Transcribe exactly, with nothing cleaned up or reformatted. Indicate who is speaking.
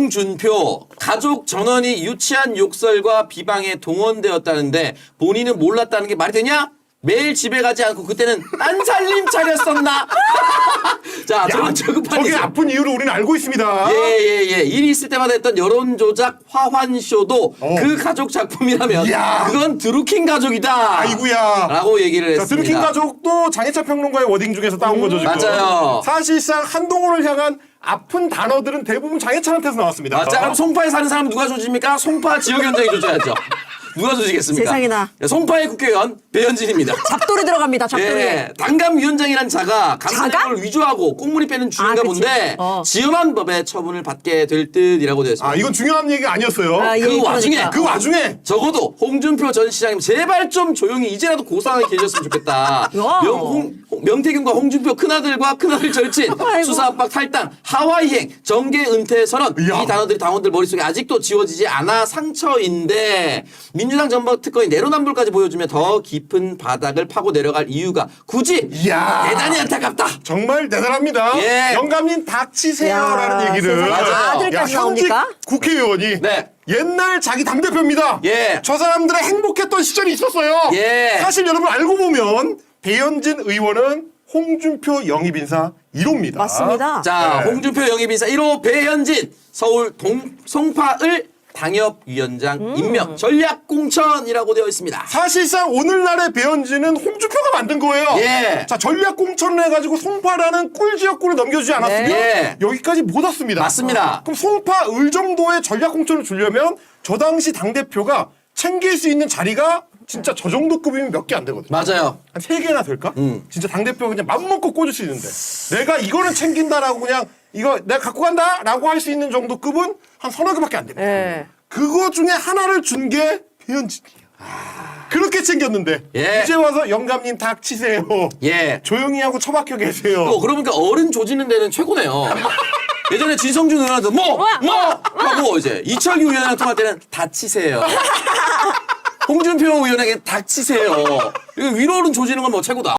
Speaker 1: 홍준표 가족 전원이 유치한 욕설과 비방에 동원되었다는데 본인은 몰랐다는 게 말이 되냐? 매일 집에 가지 않고 그때는 딴살림 차렸었나? 자, 저는 저급한
Speaker 2: 저게
Speaker 1: 일이죠.
Speaker 2: 아픈 이유를 우리는 알고 있습니다.
Speaker 1: 예예예 예, 예. 일이 있을 때마다 했던 여론조작 화환쇼도
Speaker 2: 어.
Speaker 1: 그 가족 작품이라면
Speaker 2: 이야.
Speaker 1: 그건 드루킹 가족이다.
Speaker 2: 아이고야.
Speaker 1: 라고 얘기를
Speaker 2: 자,
Speaker 1: 했습니다.
Speaker 2: 드루킹 가족도 장혜찬 평론가의 워딩 중에서 따온 거죠, 지금.
Speaker 1: 맞아요.
Speaker 2: 사실상 한동훈을 향한 아픈 단어들은 대부분 장혜찬한테서 나왔습니다.
Speaker 1: 아, 자, 그럼 송파에 사는 사람 누가 조집니까? 송파 지역 현장이 조져야죠. 누가 조지겠습니까?
Speaker 3: 세상에나.
Speaker 1: 네, 송파의 국회의원 배현진입니다.
Speaker 3: 잡돌이 들어갑니다. 잡돌이.
Speaker 1: 예, 당감위원장이란 자가
Speaker 3: 자가?
Speaker 1: 감사장을 위조하고 꽁무니 빼는 주인가
Speaker 3: 아, 그치.
Speaker 1: 본데
Speaker 3: 어.
Speaker 1: 지엄한 법에 처분을 받게 될 듯이라고 되어 있습니다.
Speaker 2: 아, 이건 중요한 얘기가 아니었어요.
Speaker 3: 아, 예,
Speaker 1: 그 와중에
Speaker 3: 그러니까.
Speaker 2: 그 와중에
Speaker 1: 적어도 홍준표 전 시장님 제발 좀 조용히 이제라도 고상하게 계셨으면 좋겠다.
Speaker 3: 야.
Speaker 1: 명, 홍, 홍- 명태균과 홍준표 큰아들과 큰아들 절친,
Speaker 3: 아이고.
Speaker 1: 수사 압박 탈당, 하와이행, 정계 은퇴 선언
Speaker 2: 이야.
Speaker 1: 이 단어들이 당원들 머릿속에 아직도 지워지지 않아 상처인데 민주당 전범 특권이 내로남불까지 보여주며 더 깊은 바닥을 파고 내려갈 이유가 굳이
Speaker 2: 이야.
Speaker 1: 대단히 안타깝다.
Speaker 2: 정말 대단합니다.
Speaker 1: 예.
Speaker 2: 영감님 닥치세요라는
Speaker 3: 야,
Speaker 2: 얘기를.
Speaker 3: 세상에.
Speaker 1: 맞아요.
Speaker 3: 아들까지
Speaker 2: 야, 현직
Speaker 3: 나옵니까?
Speaker 2: 국회의원이
Speaker 1: 네.
Speaker 2: 옛날 자기 당대표입니다.
Speaker 1: 예.
Speaker 2: 저 사람들의 행복했던 시절이 있었어요.
Speaker 1: 예.
Speaker 2: 사실 여러분 알고 보면 배현진 의원은 홍준표 영입인사 일 호입니다.
Speaker 3: 맞습니다.
Speaker 1: 자,
Speaker 2: 네.
Speaker 1: 홍준표 영입인사 일 호 배현진 서울 동, 송파을 당협위원장 임명 전략공천이라고 되어 있습니다.
Speaker 2: 사실상 오늘날의 배현진은 홍준표가 만든 거예요.
Speaker 1: 예.
Speaker 2: 자, 전략 공천을 해가지고 송파라는 꿀 지역구를 넘겨주지 않았으면
Speaker 1: 네.
Speaker 2: 여기까지 못 왔습니다.
Speaker 1: 맞습니다.
Speaker 2: 그럼 송파 을 정도의 전략 공천을 주려면 저 당시 당 대표가 챙길 수 있는 자리가 진짜 저 정도 급이면 몇 개 안 되거든요.
Speaker 1: 맞아요.
Speaker 2: 한 세 개나 될까?
Speaker 1: 음.
Speaker 2: 진짜 당 대표가 그냥 맘 먹고 꽂을 수 있는데 내가 이거는 챙긴다라고 그냥 이거 내가 갖고 간다라고 할 수 있는 정도 급은 한 서너 개밖에 안 됩니다.
Speaker 3: 예.
Speaker 2: 그거 중에 하나를 준 게 배현진이에요. 그렇게 챙겼는데
Speaker 1: 예.
Speaker 2: 이제 와서 영감님 닥치세요.
Speaker 1: 예.
Speaker 2: 조용히 하고 처박혀 계세요.
Speaker 1: 또 그러니까 어른 조지는 데는 최고네요. 예전에 진성준 의원한테 뭐! 뭐! 하고 이제 이철규 의원이랑 통할 때는 다치세요. 홍준표 의원에게 닥치세요. 이거 위로 어른 조지는 건 뭐 최고다.